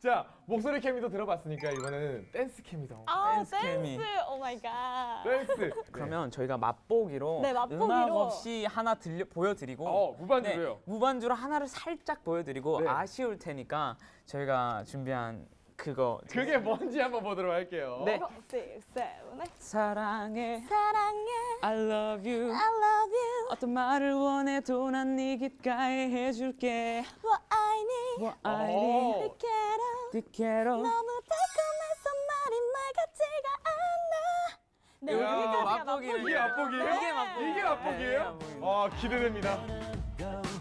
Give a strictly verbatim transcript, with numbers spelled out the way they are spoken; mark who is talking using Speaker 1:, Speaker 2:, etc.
Speaker 1: 자, 목소리 케미도 들어봤으니까 이번에는 댄스 케미도.
Speaker 2: 아,
Speaker 3: 댄스 케미.
Speaker 2: 댄스. 오 마이 갓.
Speaker 1: 댄스.
Speaker 3: 그러면 저희가 맛보기로,
Speaker 2: 네, 맛보기로.
Speaker 3: 음악 없이 하나 들려 보여드리고
Speaker 1: 어, 무반주로요.
Speaker 3: 네, 무반주로 하나를 살짝 보여드리고
Speaker 1: 네.
Speaker 3: 아쉬울 테니까 저희가 준비한 그거
Speaker 1: 그게 뭔지 한번 보도록 할게요.
Speaker 3: 네.
Speaker 2: six, seven, eight.
Speaker 3: 사랑해
Speaker 2: 사랑해.
Speaker 3: I love you
Speaker 2: I love you.
Speaker 3: 어떤 말을 원해도 난 네 귓가에 해줄게
Speaker 2: What I need.
Speaker 3: What I
Speaker 1: 오.
Speaker 3: need
Speaker 2: Te quiero.
Speaker 3: Te quiero
Speaker 2: 너무 달콤해서 말이 말 같지가 않아. 네,
Speaker 1: 이야,
Speaker 2: 여기까지가
Speaker 3: 맛보기를.
Speaker 1: 이게 맛보기예요?
Speaker 2: 네.
Speaker 3: 이게 맛보기.
Speaker 1: 이게
Speaker 3: 네,
Speaker 1: 맛보기예요?
Speaker 3: 맛보기.
Speaker 1: 아, 기대됩니다.